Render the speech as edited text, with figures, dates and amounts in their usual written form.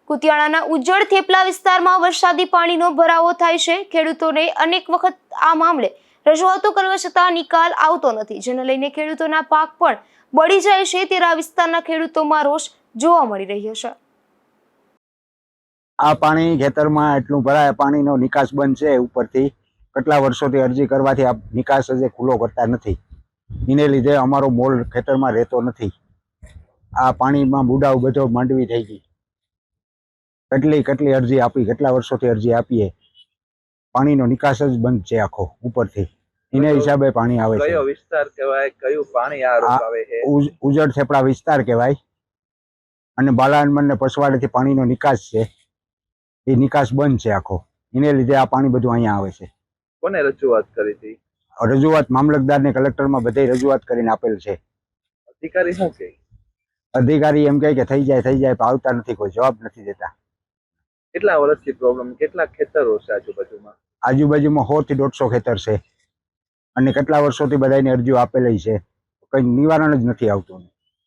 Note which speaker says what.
Speaker 1: કુતિયાણાના ઉજ્જડ થેપલા વિસ્તારમાં વરસાદી પાણીનો ભરાવો થાય છે। ખેડૂતોને અનેક વખત આ મામલે રજૂઆતો કરવા છતાં નિકાલ આવતો નથી, જેને લઈને ખેડૂતોના પાક પણ બળી જાય છે। ત્યારે આ વિસ્તારના ખેડૂતોમાં રોષ જોવા મળી રહ્યો છે।
Speaker 2: આ પાણી ખેતરમાં એટલું ભરાય, પાણીનો નિકાસ બંધ છે। ઉપરથી કેટલા વર્ષોથી અરજી કરવાથી આ નિકાસ હજી ખુલ્લો કરતા નથી। એને લીધે અમારો મોલ ખેતરમાં રહેતો નથી। આ પાણીમાં બુડાવ બધો માંડવી થઈ ગઈ। કેટલી અરજી આપી, કેટલા વર્ષોથી અરજી આપીએ, પાણીનો નિકાસ જ બંધ છે આખો ઉપરથી। એને હિસાબે પાણી આવે છે।
Speaker 3: કયો વિસ્તાર કહેવાય, કયું પાણી આ રોકાવે છે?
Speaker 2: ઉજ્જડ થેપલા વિસ્તાર કહેવાય અને બાલાનમન ને પસવાડેથી પાણીનો નિકાસ છે, એ નિકાસ બંધ છે આખો। એને લીધે આ પાણી બધું અહીંયા આવે છે।
Speaker 3: કોને રજૂઆત કરી હતી?
Speaker 2: રજૂઆત મામલતદાર ને કલેક્ટરમાં બધે રજૂઆત કરીને આપેલ છે।
Speaker 3: અધિકારી શું કહે?
Speaker 2: અધિકારી એમ કહે કે થઈ જાય, આવતા નથી, કોઈ જવાબ નથી દેતા।
Speaker 3: કેટલા વર્ષથી પ્રોબ્લેમ? કેટલા ખેતરો છે આજુબાજુમાં?
Speaker 2: આજુબાજુમાં 100 થી 150 ખેતર છે અને કેટલા વર્ષોથી બધાની અરજીઓ આપેલી છે, કઈ નિવારણ જ નથી આવતું।